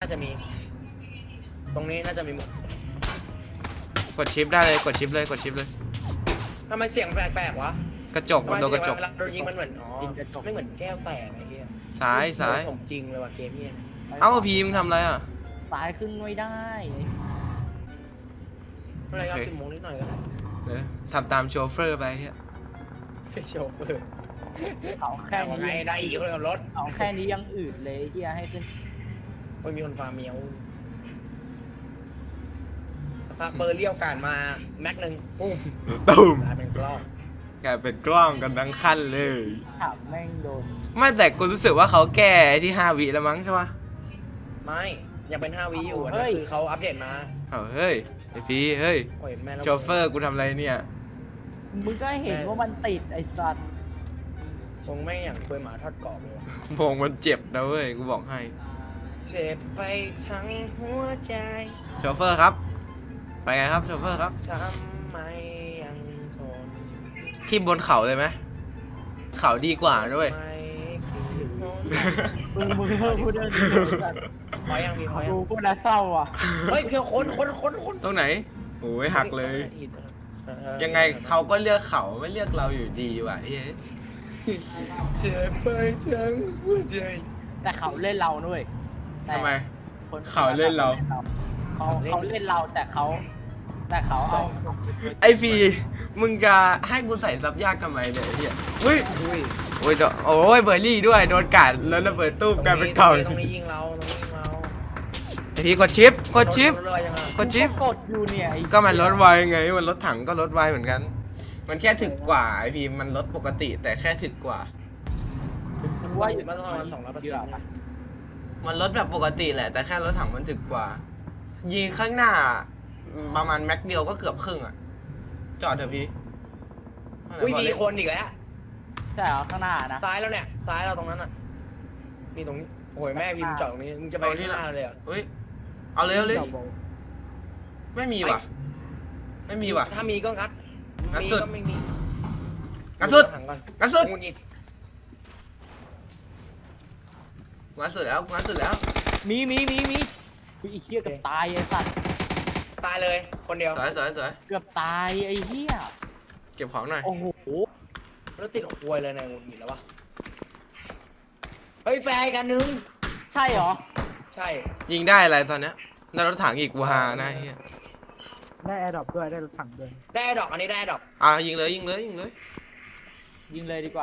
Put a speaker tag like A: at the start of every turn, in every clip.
A: จะมีตรงนี้น่าจะมีหมด
B: กดชิปได้เลยกดชิปเลยกดชิปเลย
A: ทำไมเสียงแปลกๆวะ
B: กระจกมันโดนกระจก
A: เวลาโดนยิงมันเหมือนไม่เหมือนแก้วแตกไอ้เหี้ย
B: ซ้ายซ้าย
A: ผมจริงเลยว่ะเกมนี้
B: เอ้าพีมึงทำอะไรอ่ะ
C: ซ้ายขึ้นไม่ได้
A: อะไรครับกินหมูนิดหน่อยก็ได้
B: ทำตามโชเฟอร์ไปเฮีย
A: โชเฟอร์
C: เขาแค่นี้
A: ไงได้อีกคนกับรถ
C: เขาแค่นี้ยังอืดเลยที่ให้ขึ้น
A: ไม่มีคนฟาร์มเมียวพาเบอร์เลี้ยวการมาแม็กหนึ่งปุ้ม
B: ตุ้ม
A: กลายเป็นกล้อง
B: กลายเป็นกล้องกันทั้งขั้นเลย
C: ถามแม่งโดน
B: ไม่แต่กูรู้สึกว่าเขาแก้ไอ้ที่5 วิแล้วมั้งใช่ปะ
A: ไม่ยังเป็น5 วิอยู่นะคือเขาอัปเดตมา
B: เฮ้ยไอพีเฮ้ย
A: โอ้ยแม่
B: โชเฟอร์กูทำอะไรเนี่ย
C: มึงก็เห็นว่ามันติดไอ้สัตว์
A: คงไม่อย่างเคยหมาทอดกรอบเลย
B: โมงมันเจ็บนะเว้ยกูบอกให้
A: เจ็บไปทั้งหัวใจ
B: โชเฟอร์ครับไปไงครับโชเฟอร์ครับ
A: ทำไมยังทน
B: ที่บนเขาเลยไหมเขาดีกว่าด้วย
A: ไม่คิดโน้น
C: มึงเพิ่มพูดเรื่องนี้สัตว์
A: พอยังมีพอยั
C: ดู
A: ง
C: พูดแล้วเศร้าอ่ะ
A: เฮ้ยเพียงคน
B: ตรงไหนโอ้ยหักเลย ยังไงเขาก็เลือกเขาไม่เลือกเราอยู่ดีว่ะเฮ้ย
A: เจ็บไปทั้งหัวใจ
C: แต่เขาเล่นเราด้วยแต่
B: ทำไม
C: คน
B: เขาเล่นเรา
C: เขาเล่นเราแต่เขาเอา
B: ไอพีมึงจะให้กูใส่ซับยากทำไมเนี่ยไอ้เฮียอุ้ย
A: อุ้ย
B: โอ้ยโอ้ยเบอร์รี่ด้วยโดนกัดแล้วระเบิดตู้กลายเป็นกล่อง
A: ตรงนี้ยิงเราตรงนี้ยิงเรา
B: ไอพีกดชิปกดชิป
A: รถลอยยังไง
B: กดชิป
C: กดอยู่เนี่ยไอ้
B: ก็มันลดไวไงมันรถถังก็ลดไวเหมือนกัน มันแค่ถึกกว่าไอพีมันลดปกติแต่แค่ถึกกว่า
C: ว่าอยู่
A: มาต้องประมาณ200%นะ
B: มันลดแบบปกติแหละแต่แค่รถถังมันถึกกว่า ยิงข้างหน้าประมาณแม็กเดียวก็เกือบครึ่งอ่ะจอดเถอะพี่
A: อุ้ยมีคนอีกแล้ว
C: ใช่เหรอข้างหน้านะ
A: ซ้ายแล้วเนี่ยซ้ายเราตรงนั้นอ่ะมีตรงนี้โอ้ยแม่พิมพ์จอดตรงนี้มึงจะไปที่หน้าเลยอ่ะ
B: เฮ้ยเอาเลยเอาเลยไม่มีว่ะไม่มีว่ะ
A: ถ้ามีก็งัด
B: งัด
A: มี
B: สุด
A: ก็ไม่มี
B: งัดสุด
A: ถังก่อน
B: งัดสุด
A: งูงิด
B: งัดสุดแล้วงัดสุดแล้ว
C: มีคือไอ้เหี้ยเกือบตายไอ้สัตว์
A: ตายเลยคนเดียว
B: สวยสวยสวย
C: เกือบตายไอ้เหี้ย
B: เก็บของหน่อย
C: โอ้โห
A: แล้วติดควยเลยในงูงิดแล้ววะเฮ้ยแฟร์กันนึง
C: ใช่เหรอ
A: ใช่
B: ยิงได้อะไรตอนเนี้ยได้รถถังอีกวานะเฮีย
D: ได้แอร์ดรอปด้วยได้รถถังด้วย
A: ได้ดอกอันนี้ได้ดอก
B: ยิงเลยยิงเลยยิงเลย
C: ยิงเลยดีกว่า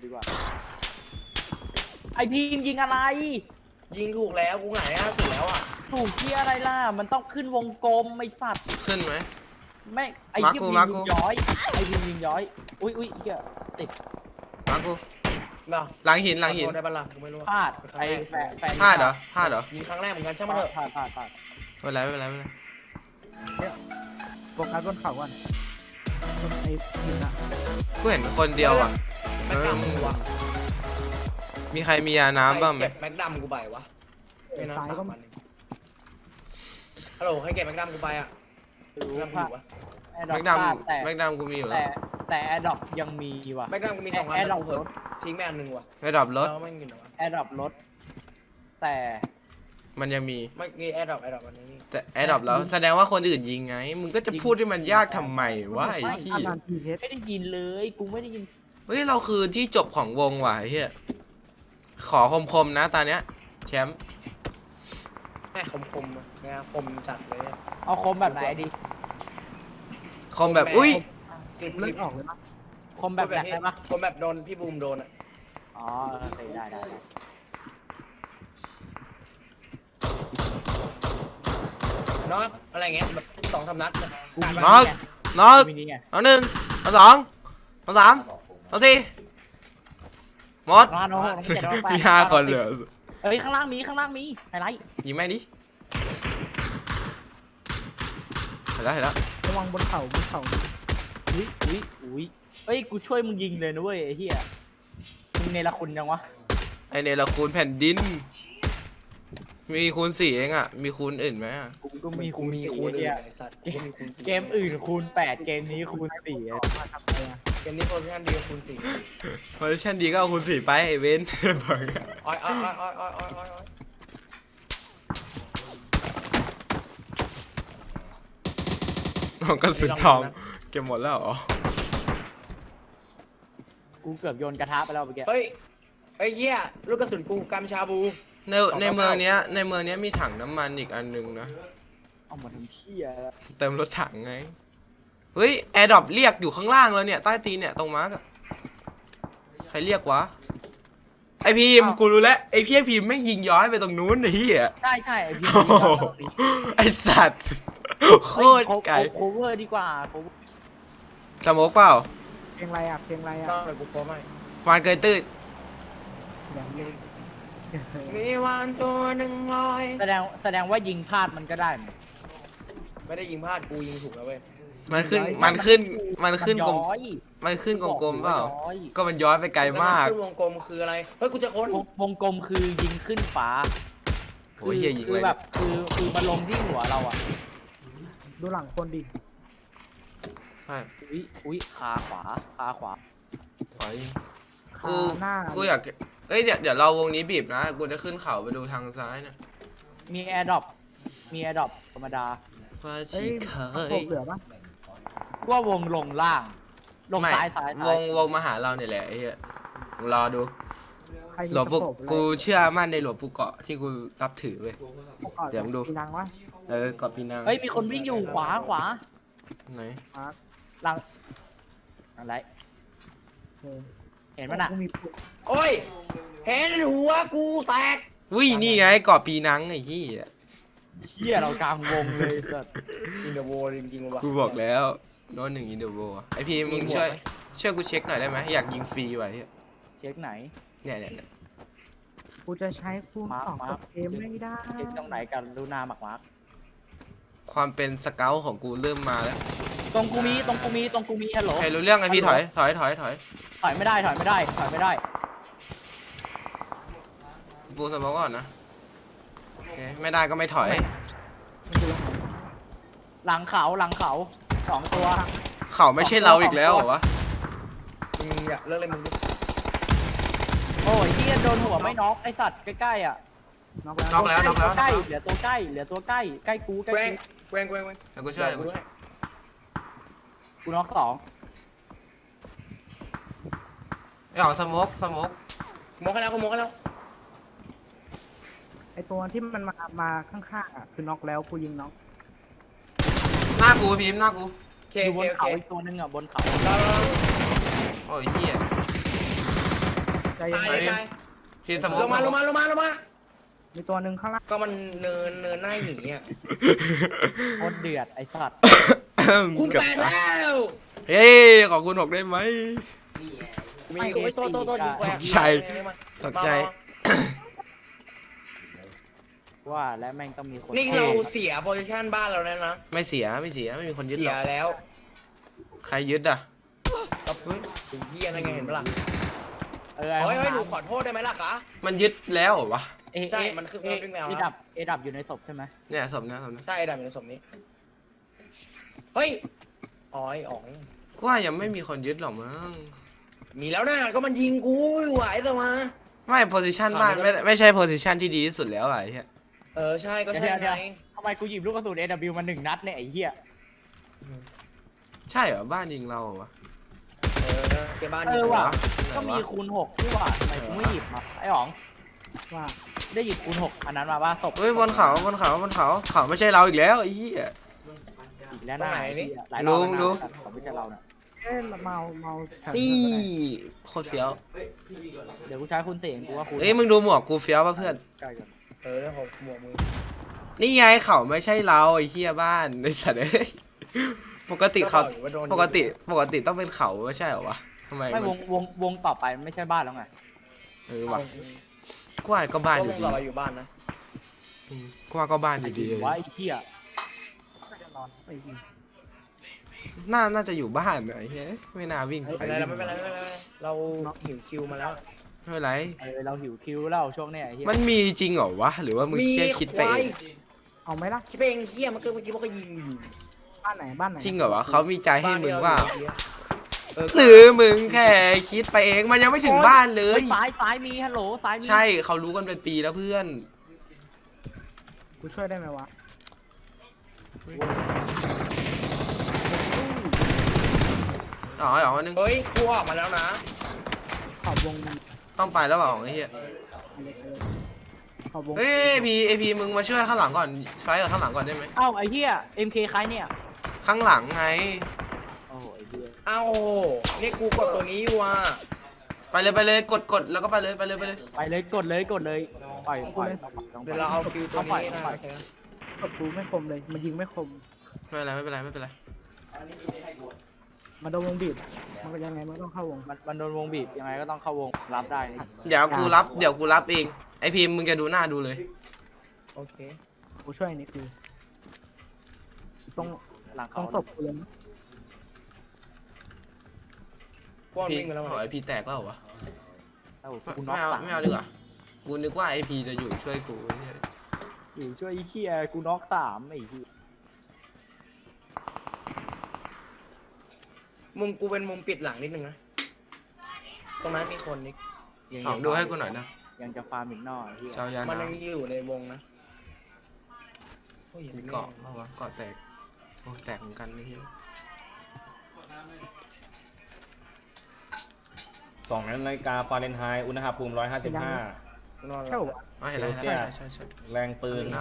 C: ไอพีมยิงอะไร
A: ยิงถูกแล้วกูหงายหน้าถูกแล้วอ่ะ
C: ถูกที่อะไรล่ะมันต้องขึ้นวงกลมไอ้สัตว์
B: ขึ้นไหม
C: ไม่ไอ้
B: มา
C: ที่
B: กู
C: ยิ
B: มาง กู
C: ย้อยไอ้พีมยิงย้อยอุ้ยเหี้ยติด
B: มากู
A: เนาะ
B: หลังหินหลังหิน
A: ขอโทษได้ปะล่ะกูไม่รู้
C: พลาดไอ้แฟน
B: พลาดเหรอพลาดเหรอ
A: ยิงครั้งแรกเหมือนกันช่างมันเถอะ
C: พลาด
B: ไม่เป็นไรไม่เป็นไรไม่เป็นไร
D: โฟกัสบนเขาก่อนบนไอ้หินอะ
B: กูเห็นคนเดียวอ่ะ
A: แม็กดำกูวะ
B: มีใครมียาน้ำบ้างไหม
A: เก็บแม็กดำกูไปวะไม่น่า3 วันฮัลโหลให้เก็บแม็กดำกูไปอ่ะ
C: รู้
A: แม็กดำกู
C: ว่า
A: อยู่วะ
C: แอร์ดรอ
B: แม็
C: ป
B: ก
C: พ
B: ด
C: ลาดแต่
B: ำแม็กดำกูมีอยู่แล้
C: แต่
B: ว
C: แอร์ดรอปยังมีว่ะ
A: แม็กดำกูมี2 อัน
C: แอร์ดรอป
A: กูเผลอทิ้งไปอันหนึ่งว่ะ
B: ไม่ดับรถ
A: แล้วไม่กินหรอวะ
C: แอร์ดรอปลดแต่
B: มันยังมี
A: ไม่มีแอร์ดรอปอันนี้นี่
B: แต่แอร์ดับแล้วแสดงว่าคนอื่นยิงไง มึงก็จะพูดให้มันยากทำไมวะไอ้ที่
D: ประมาณทีเฮด
C: ไม่ได้ยินเลยกูไม่ได้ยิน
B: เฮ้ยเราคือที่จบของวงว่ะไอ้เหี้ยขอคมๆนะตอนเนี้ยแชมป์
A: แม่คมๆอะนะคมจัดเลยอะ
C: เอาคมแบบไหนดี
B: คมแบบอุ้ย
A: จิบ
D: เลือดออกเลยนะ
C: คมแบบไหนได้ปะ
A: คมแบบโดนพี่บูมโดนอ่ะ
C: อ๋อโอเคได้
A: เนาะอะไรเงี้ยแบบ2-3 นัดอะ
B: น็อกน็อก
C: มีนี่ไง
B: เอาหนึ่งเอาสองเอาสามเอาสี่หมด
C: ร้านโอ้โหน้องเจ็ดร้อยแปด
B: มี5 คนเหลือ
C: เอ้ยข้างล่างมีไฮไลท์
B: ยิงแม่งดิเห็นแล้วเห็นแล้ว
D: ระวังบนเขา
C: อุ้ยเอ้ยกูช่วยมึงยิงเลยนะเว้ยไอ้เหี้ยมึงเนรคุณยังวะ
B: ไอเนรคูณแผ่นดิน มีคูณ 4เองอ่ะมีคูณอื่นไหมอะ
C: กูก็มี
A: กู
C: คูณ
A: มี
C: สี่
A: คูณ
C: ไอ้เหี้ย
A: ไอ้สัตว์กูมีคูณ
C: เกมอื่นคูณ8เกมนี้คูณ4
D: มาทำอะไรอะ
A: เกมนี้โพซิชั่นดีกว่าคูณ4
B: โพซิชั่นดีก็เอาคูณ 4ไปไอเวนบอกอะ
A: อ้อย
B: ของกระสุนทองเก็บหมดแล้วเหรอ
C: กูเกือบโยนกระทะไปแล้วเมื่อกี้
A: เฮ้ยไอ้เหี้ยลูกกระสุนกูกำชาบู
B: ในเมืองเนี้ยมีถังน้ำมันอีกอันนึงนะ
C: เอามาทำเหี้ย
B: เติมรถถังไงเฮ้ยแอร์ดรอปเรียกอยู่ข้างล่างแล้วเนี่ยใต้ตีนเนี่ยตรงมาร์กอะใครเรียกวะไอพีมกูรู้แล้วไอพี่พีมไม่งยิงย้อยไปตรงนู้นไอ้เหี้ย
C: ใช่ใช่ไอพี่
B: โอ้โหไอสัตว์โคตรไกล
C: โคเวอร์ดีกว่า cover
B: สโมกเปล่า
D: เพลงอะไรอ่ะเพลงอะไรอ่ะ
A: ต้องเลยกูโป้ไม่
B: วานเกยตื้น
D: อย่างนี้
A: มีวันตัวหนึ่งลอย
C: แสดงว่ายิงพลาดมันก็ได้มั้ย
A: ไม่ได้ยิงพลาดกูยิงถูกแล้วเว้ย
B: มันขึ้นกลม
C: มันย้อย
B: มันขึ้นกลมๆเปล่า
C: ย้อย
B: ก็มันย้อยไปไกลมาก
A: ขึ้นวงกลมคืออะไรเฮ้ยกูจะค้น
C: วงกลมคือยิงขึ้นฟ้า
B: โอ้ยเหี้ยยิง
C: คื
B: เล
C: อย แบบคือมันลงที่หัวเราอ่ะ
D: ดูหลังคนดิ
B: ใช่
C: อุ้ยขาขวา
B: ขอยิง
D: ขา หน้า
B: กูอยากเอ้ยเดี๋ยวเราวงนี้บีบนะกูจะขึ้นเขาไปดูทางซ้ายนะ
C: มีแอร์ดรอปธรรมดา
B: ว่า
D: เอ้
B: ชี
D: ย
B: เค
D: โผล่
B: ย
D: เหลือปะ
C: ว่าวงลงล่าง ลง
B: ไม่
C: ซ้ายว
B: งมาหาเราเนี่ยแหละไอ้เหี้ยรอดู
D: ใครมี
B: หลวงปู่
D: สโคป
B: กูเชื่อมั่นในหลวงปู่เกาะที่กูรับถือเว้ย เดี๋ยวมึงดู
D: ปีนังวะ
B: เกาะปีนัง
C: เฮ้ยมีคนวิ่งอยู่ขวา
B: ไหน
D: มาร์ค
C: หลังอะไร
D: เออ
C: เห็นมันอ่ะ
D: กูมีปืน
A: โอ้ยเห็นหัวกูแตก
B: วิ่นี่ไงเกาะปีนังไอ้ที่
C: เชี่ยเรากลางวงเลยสัส
A: อินเดอะโวจริงๆว่ะ
B: กูบอกแล้วโน้ตหนึ่งอินเดอร์โวไอพีมึง
A: มีหมวก
B: ช่วย
A: ไหม
B: ช่วยกูเช็คหน่อยได้ไหมอยากยิงฟรีไว้เหี้ย
C: เช็คไหน
B: เนี่ย
D: กูจะใช้คูณ
C: มาร์ค
D: สอง
C: มาร์
D: กั
C: ค
D: บเกมไม่ได้
C: เช็คตรงไหนกันดูหน้าหมักมาร์ก
B: ความเป็นสเกลของกูเริ่มมาแล้ว
C: ตรงกูมีฮัลโหล
B: ใครรู้เรื่องไอพีถอย
C: ถอยไม่ได้
B: ปูสมองก่อนนะโอเคไม่ได้ก็ไม่ถอย
D: มันอยู่ตรงไหน
C: หลังเขา2 ตัว
B: เขาไม่ใช่เราอีกแล้วเหรอวะ
A: มึงอยากเลิกเลยมึง
C: โอ้ยเฮียโดนหัวไม่น็อกไอสัตว์ใกล้ๆอ่ะ
D: น็อกแล้ว
B: น็อกแล้ว
C: ใกล้เหลือตัวใกล้ใกล้กู
A: แกว้งแกว้ง
B: แล้วกูช่วย
C: กูน็อก2
B: ไอ้หอสโมก
A: มองกันแล้วกูมองกันแล้ว
D: ไอตัวที่มันมาข้างๆอ่ะคือน็อกแล้วกูยิงน็อก
B: หน้ากูพีมหน้ากู
A: โอเค
C: อยู่บน
A: โอ
C: เขา
A: เค
C: อีกตัวนึงอ่ะบนเขา
B: โอ้ยเหี้ย
D: ใจเย็น
A: ตาย
B: ไป
A: ตาย
B: พีมสโมก
A: ลงมา
D: มีตัวหนึ่งข้างล่าง
A: ก็มันเนินหน้าหนีอ่ะ
C: โคตรเดือดไอสัตว์
A: กูแตกแล้ว
B: เฮ้ยขอคุณหกได้ไหม
A: มีโอ้ยโตยิงแกว้ง
B: ตกใจ
C: ว่าและแม่งต้องมีคน
A: นี่เราเสียโพซิชันบ้านเราแล้วนะ
B: ไม่เสียไม่มีคนยึด
A: เสี
B: หร
A: ย
B: อก
A: แล้ว
B: ใครยึดอ่ะ
A: ก็ถึงเฮียอะไรไงเห็นปะล่ะ
C: เออ
A: เฮ้ยหนูขอโทษได้ไหมล่ะคะ
B: มันยึดแล้วเหรอวะ
A: ใช่มันคือมันวิ่งแนว
C: เอดับอยู่ในศพใช่ไหม
B: เนี่ยสมนะ
A: ใช่ดำอยู่ในสมนี้เฮ้ยอ๋อยอ๋อง
B: กูว่ายังไม่มีคนยึดหรอกมั้ง
A: มีแล้วนะก็มันยิงกูอยู่ไหวแต่มา
B: ไม่โพซิชันบ้านไม่ใช่โพซิชันที่ดีที่สุดแล้วอะไอ้เหี้ย
A: ใช่ก็ใช่ไง
C: ทำไมกูหยิบลูกกระสุน AW มา1 นัดเนี่ยไอ้เหี้ย
B: ใช่เหรอบ้านยิงเราเหรอวะ
A: เก็บบ้าน
C: ว่ะ
B: ไหน
C: ก็มีคูณ6ที่ว่าทำไมกูไม่หยิบมาไอ้อ๋อง
D: ว่า
C: ได้หยิบคูณ6อันนั้นมาว่าศพ
B: เฮ้ยบนเขาเขาไม่ใช่เราอีกแล้วไอ้เหี้ย
C: อีกแล้วนะหลายร
B: ลุ
C: อบ
B: ง
C: แล้ว
B: ลุง
C: นะเขาไม่ใช่เรานะ
D: เอ๊ะเมาแถว
B: นี่
D: ก็ได้
B: โคตรเฟี้ยว
C: เดี๋ยวกูใช้คุณเสียงกูว่าคุณ
B: เอ้ยมึงดูหมวกกูเฟี้ยวป่ะเพื่อน
C: ใกล้กัน
A: ผมหมวกมือ
B: นี่ไงเขาไม่ใช่เราไอ้เหี้ยบ้านไอ้สัตว์เอ้ยปกติเขาปกติต้องเป็นเขาไม่ใช่เหรอวะทำไม
C: ไม่
B: มัน
C: วงต่อไปไม่ใช่บ้านแล้วไง
B: ว่ะกูว่าก็บ้านอยู่ดี
A: ต่อไปอยู่บ้านนะ
B: กูว่าก็บ้านอยู่ดี
C: ว่าไอ้เหี้ย
D: น่าจะนอนไอ้นี่
B: น่าจะอยู่บ้านไอ้เฮ้ยไม่น่าวิ่ง
A: ไม่เป็นไรไม่เป็นไรเราหิวคิวมาแล้ว
B: ไม่เป็นไร
C: เราหิวคิวแล้วช่วงเนี้ยไอ้เหี้ย
B: มันมีจริงเหรอวะหรือว่ามึงแค่คิดไปเอง
D: เอาไหมล่ะ
A: คิดไปเองเฮียเมื่อกี้มันก็ยิงอยู่
D: บ้านไหน
B: จริงเหรอวะเขามีใจให้มึงว่า
A: ห
B: หรือมึงแค่คิดไปเองมันยังไม่ถึงบ้านเลย
C: ซ้ายมีฮัลโหลซ้ายมี
B: ใช่เขารู้กันเป็นปีแล้วเพื่อน
D: กูช่วยได้ไหมวะ
B: อ๋ออ๋อนึง
A: เฮ้ยกูออกมาแล้วนะ
D: ขอบวง
B: ต้องไปแล้วเปล่าไอ้เหี้ย
D: ขอบวง
B: เฮ้ยไอพีมึงมาช่วยข้างหลังก่อนไฟกับข้างหลังก่อนได้ไหม
C: เอ้าไอ้เหี้ย MK ใครเนี่ย
B: ข้างหลังไง
C: โอ้โหไอ้เหี้ย
A: เอ้านี่กูกดตัวนี้อยู่อ่ะ
B: ไปเลยกดแล้วก็ไปเลย
C: ไปเลยกดเลยปล่อย
A: เดี๋ยวเราเอาคิวตัวนี้นะ
D: กดกูไม่คมเลยมันยิงไม่คม
B: ไม่เป็นไร
D: มันโดนวงบีบมันก็ยังไงมันต้องเข้าวง
C: มันโดนวงบีบยังไงก็ต้องเข้าวงรับได้นี่
B: เดี๋ยวกูรับเองไอพีมึงจะดูหน้าดูเลย
A: โอเค
D: กูช่วยนี่คือตรง
C: หลัง
D: ตร
C: เขา
D: งศพกูเลย
A: กว้าง
B: พี
A: วิ่งไปแล้ว
B: ขอไอพีแตกแล้วเหรอวะ
C: เอ้ากูน็อ
B: ไม่
C: ก
B: เอา
C: 3
B: ดีกว่ากูนึกว่าไอพีจะอยู่ช่วยกูไอ้เหี้ย
C: อยู่ช่วยไอ้เหี้ยกูน็อก3ไอ้เหี้ย
A: มุมกูเป็นมุมปิดหลังนิดนึงนะตรงนั้นมีคนนิก
B: ลองดูให้กูหน่อยนะ
C: ยังจะฟาร์มอีกหน่อยไอ้เหี้ย
B: เจ้ายา
A: มัน
B: น้
A: ยังอยู่ในวงนะโอ้ย
B: ำมีเกาะเปล่าวะเกาะแตกโอ้แตกเหมือนกันไอ้เหี้ย
E: 2 นาฬิกาฟาเรนไฮต์อุณหภูมิ 155
A: นอน
D: ใช่
A: แล้ว
D: ปะ
B: อ๋อเห็นแล้วใช่
E: แรงปืน
B: เอา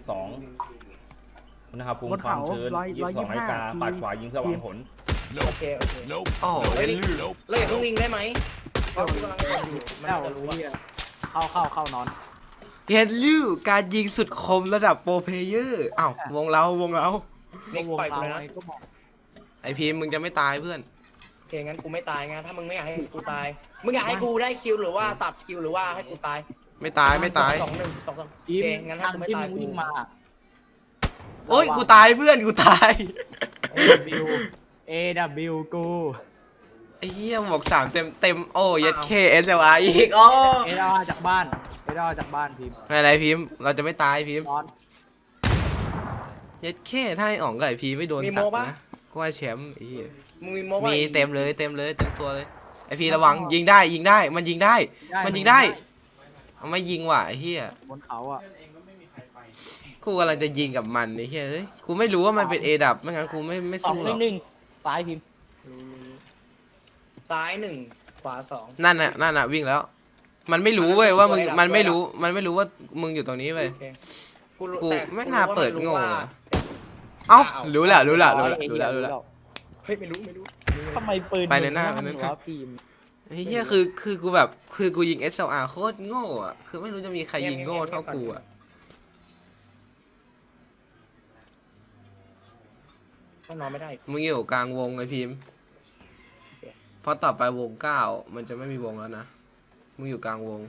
E: 32 อุณหภูมิ
D: บน
E: ความ
D: เขา
E: ชื้น 22 นาฬิกา
D: 125
E: ปาดขวายิงเพื่อหวังผล
A: โอเคโอเค
B: โอ้โห
A: เฮ้ยเราอย่าเพิ่งวิ่งได้ไหมเพราะกูกำลังเล่นอยู่มัน
C: เอ้า
A: จะรู้ว่า
C: เหี้ยเข้านอน
B: เฮนลิวการยิงสุดคมระดับโปรเพลเยอร์อ้าววงเรา
A: นิกปล่อยกูเลยนะ
C: ก็บอก
B: ไอพีมึงจะไม่ตายเพื่อน
A: โอเคงั้นกูไม่ตายไงถ้ามึงไม่อยากให้กูตายมึงอยากให้กูได้คิวหรือว่าตัดคิวหรือว่าให้กูตาย
B: ไม่ตาย
A: 2-1 2-2โอ
C: ที
A: เค
C: ม
A: งั้นถ้า
C: ทาง
A: กูไม่
C: ที่
A: ตาย
C: มึงวิ่งมา
B: โอ้ยกูตายเพื่อนกูตาย
C: AW กู
B: ไอ้เหี้ยหมวก3เต็มโอ้ยัดเคเอสวาอีกโอ้
C: เอดาจากบ้านทีม
B: ไม่เป็นไรพิมพ์เราจะไม่ตายพิมพ์
C: นอน
B: ยัดเคถ้าไอ้อ๋องกับไอ้พีไม่โดนตัดนะก็ว่าแชมป์ไอ้เหี้ย
A: มึงมีโมบ้า
B: มีเต็มตัวเลยไอ้พีระวังยิงได้มันยิงได้เอาไม่ยิงว่ะไอ้เหี้ย
C: บนเขาอ่ะ
B: กูกำลังจะยิงกับมันไอ้เหี้ยเอ้ยกูไม่รู้ว่ามันเป็นเอดับไม่งั้นกูไม่สู้หรอก
C: 2-1ซ้ายพิมพ์
A: ซ้าย1ขวา2
B: นั่นน่ะวิ่งแล้ว มันไม่รู้เว้ยว่ามึงมันไม่รู้ว่ามึงอยู่ตรงนี้เว้ย
A: โอเค
B: กู
A: แต่
B: ไม่น่าเปิดโง่
A: ว่า
B: อะ เอ้า
A: อ้าว
B: รู้แล้ว
C: เ
A: เฮ้ยไม่รู้
C: ทำไมปืน
B: ไปในหน้า
C: มึงวะทีม
B: ไอ้เหี้ยคือกูแบบคือกูยิง SLR โคตรโง่อะคือไม่รู้จะมีใครยิงโง่เท่ากูอะ
A: ต้องนอนไม่ได้
B: มึงอยู่กลางวงไอพิมพ์เพราะต่อไปวง9มันจะไม่มีวงแล้วนะมึงอยู่กลางวง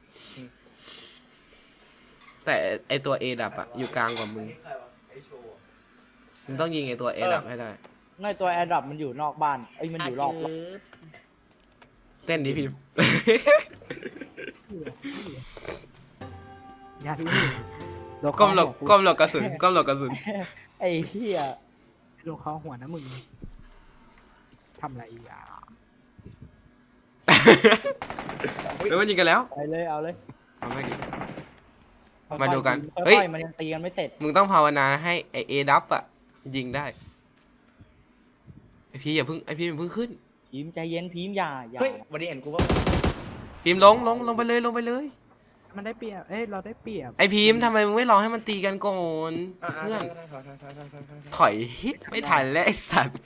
B: แต่ไอตัว A ดับอะอยู่กลางกว่ามึงมึงต้องยิงไอตัว A ดับให้ได้
C: ในตัวแอร์ดรอปมันอยู่นอกบ้านไอ้ยมันอยู่รอบ
B: เต้นดิพิมพ์
D: ยาที่
B: ก้มหลบกระสุน
C: ไอ้เหี้ย
D: โดนเขาหัวนะมึงทำอะไรอ่ะ
B: แล้วมันยิงกันแล้ว
C: ไปเลยเอาเลย
B: เอาไม่ดิ มาดูกัน
C: ค่อยๆ
B: เฮ้ย
C: มันยังตีกันไม่เสร็จ
B: มึงต้องภาวนาให้ไอเอดับอะยิงได้ไอพี่อย่าเพิ่งขึ้น
C: พีมใจเย็นพีมอย่า
A: เฮ้ยวันนี้เห็นกูว่า
B: พิมพ์ลงไปเลย
D: มันได้เปรียบเอ้ยเราได้เปรียบ
B: ไอพิมพ์ทำไมมึงไม่รอให้มันตีกันก่อน
A: อ่า
B: เพื่อน
A: ๆ
B: ถอยไม่ทันแล้วไอสัตว์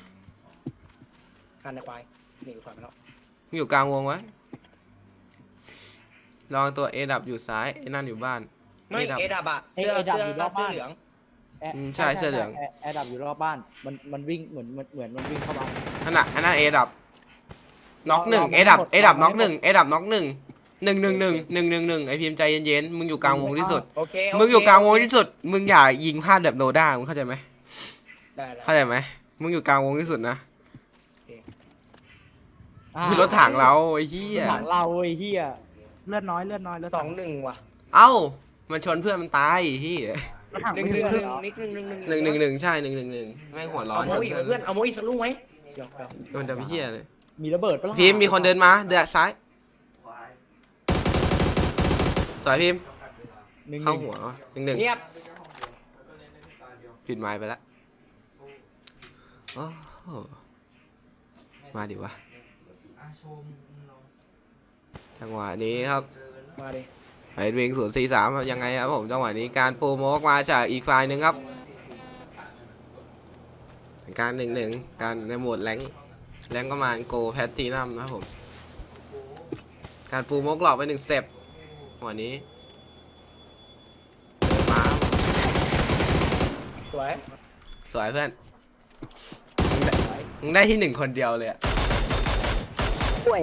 A: การในควายหนีกูถอยไปแล้ว
B: มึงอยู่กลางวงไว้ลองตัวเอดับอยู่ซ้ายไอนั่นอยู่บ้าน
A: ไม่
B: ดับ
A: เอดับอะเสื้อเหลือง
B: ใช่เสื้อเหลือง
C: แอร์ดับอยู่รอบบ้านมันวิ่งเหมือนมันวิ่งเข้ามา
B: อันนั้นเอดับน็อกหนึ่ง
C: รอ
B: เอดับ
C: หมด
B: เอดับ
C: รอ
B: น็อก
C: หมด
B: หนึ่งเอดับน็อกหนึ่ง1-1ไอพิมพ์ใจเย็นๆมึงอยู่กลางวงที่สุด
A: โอเค
B: มึงอยู่กลางวงที่สุด มึงอย่ายิงพลาดแบบโนด้ามึงเข้าใจไหม
A: ได้แล้ว
B: เข้าใจไหมมึงอยู่กลางวงที่สุดนะ
C: อ่า
B: คือรถถังเราไอ้เหี้ย
C: ถังเราไอ้เหี้ย
D: เลือดน้อยแล้ว
A: 2-1ว่ะ
B: เอ้ามันชนเพื่อนมันตายไอ้เหี้ย
D: รถถัง
A: 1-1
D: ไม่มีเลือด
A: นิก1-1
B: 1-1ใช่1-1แม่งหัวร้อน
A: เอาโมอีกเพื่อนเอาโมอีกสักลูกไหมเดี๋ยว
B: โดนจะไปเหี้ยเลย
C: มีระเบิดปะล่ะ
B: พิมพ์มีคนเดินมาเดือดซ้ายสวยพิมพ์
C: หนึ่ง
B: เข้าหัว1-1
A: เงียบ
B: ปิดไม้ไปแล้วโอ้โหมาดิวะจังหวะนี้ครับ
A: มาดิ
B: ไฮวิง043ครับยังไงครับผมจังหวะนี้การปูโมกมาจากอีกฝ่ายหนึ่งครับการ1-1การในโหมดแรงก็มาโกแพทตีนัมนะครับผมการปูโมกหลอกไป1สเต็ปวันนี้มา
A: สวย
B: สวยเพื่อนมึงได้ที่1คนเดียวเลยอะ
D: กล้วย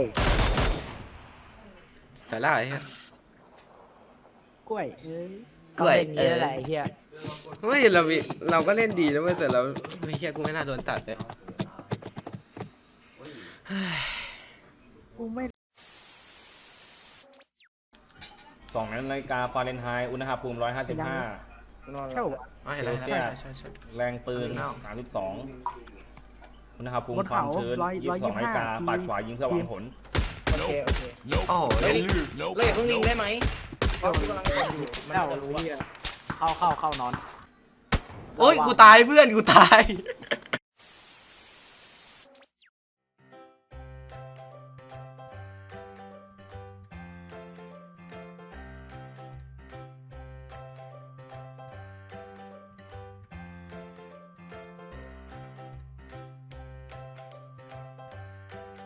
B: สวยแล้วไอ้เหี้ย
D: กล้วยเอ้ย
B: กล้วย
C: ก็เป็นอย่างนี้แหละไอ้เหี้ย
B: ไม่เราก็เล่นดีนะเว้ยแต่เราไม่เชื่อกูไม่น่าโดนตัดเลย
D: กูไม่
E: 2 นาฬิกาฟาเรนไฮต์อุณหภูมิ 155
A: นอน
D: เช่า
B: อ๋อเห็นแล้วเห็นแล้วใช่
E: แรงปืน 32 อุณหภูมิความชื้น 22 นาฬิกาปัดขวายิงเพื่อหวังผล
A: โอเคโอเค
B: โอ้โห
A: เฮ้ยเราอย่าเพิ่งยิงได้ไหมเพราะกูกำลังอยู่มัน
C: เอ้า
A: จะรู้ว่า
C: เข้านอน
B: โอ้ยกูตายเพื่อนกูตาย